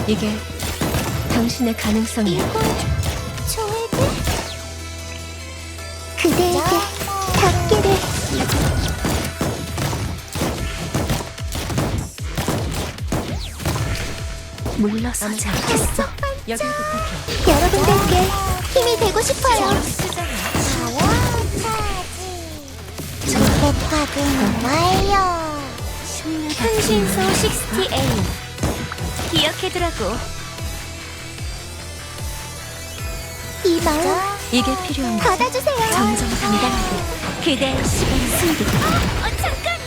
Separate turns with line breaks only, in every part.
이게 당신의 가능성이야.
이건 좋을까? 그대에게 닿기를.
물러서지 않겠어. 여길 부탁해.
여러분들께 힘이 되고 싶어요. 로켓 확인 완료.
현신소 68 기억해두라고.
이 마음
이게 필요한 거지?
받아주세요.
정정당당하게 그대의 시간 승리. 잠깐!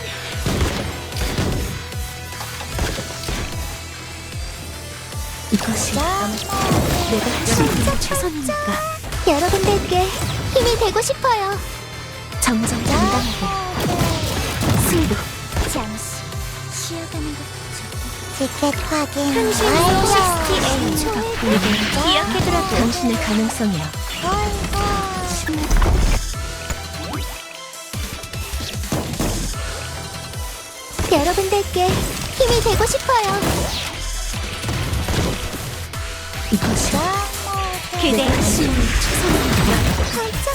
이것이 내가 할 수 있는 최선이니까.
여러분들께 힘이 되고 싶어요.
정정당당하게 승부.
잠시 쉬어가는 것도 좋고. 티켓 확인
현신소
완료.
68 이게 기억해두라고. 당신의 가능성이야.
여러분들께 힘이 되고 싶어요.
이것이 그대의 할 수 있는 최선이니까.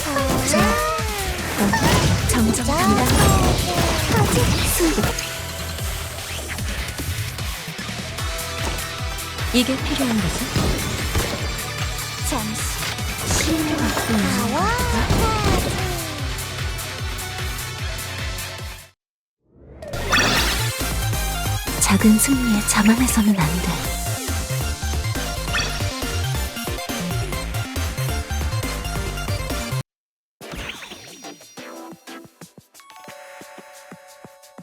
정정당당하게 승부. 이게 필요한 거지?
잠시
신뢰가 작은 승리에 자만해서는 안 돼.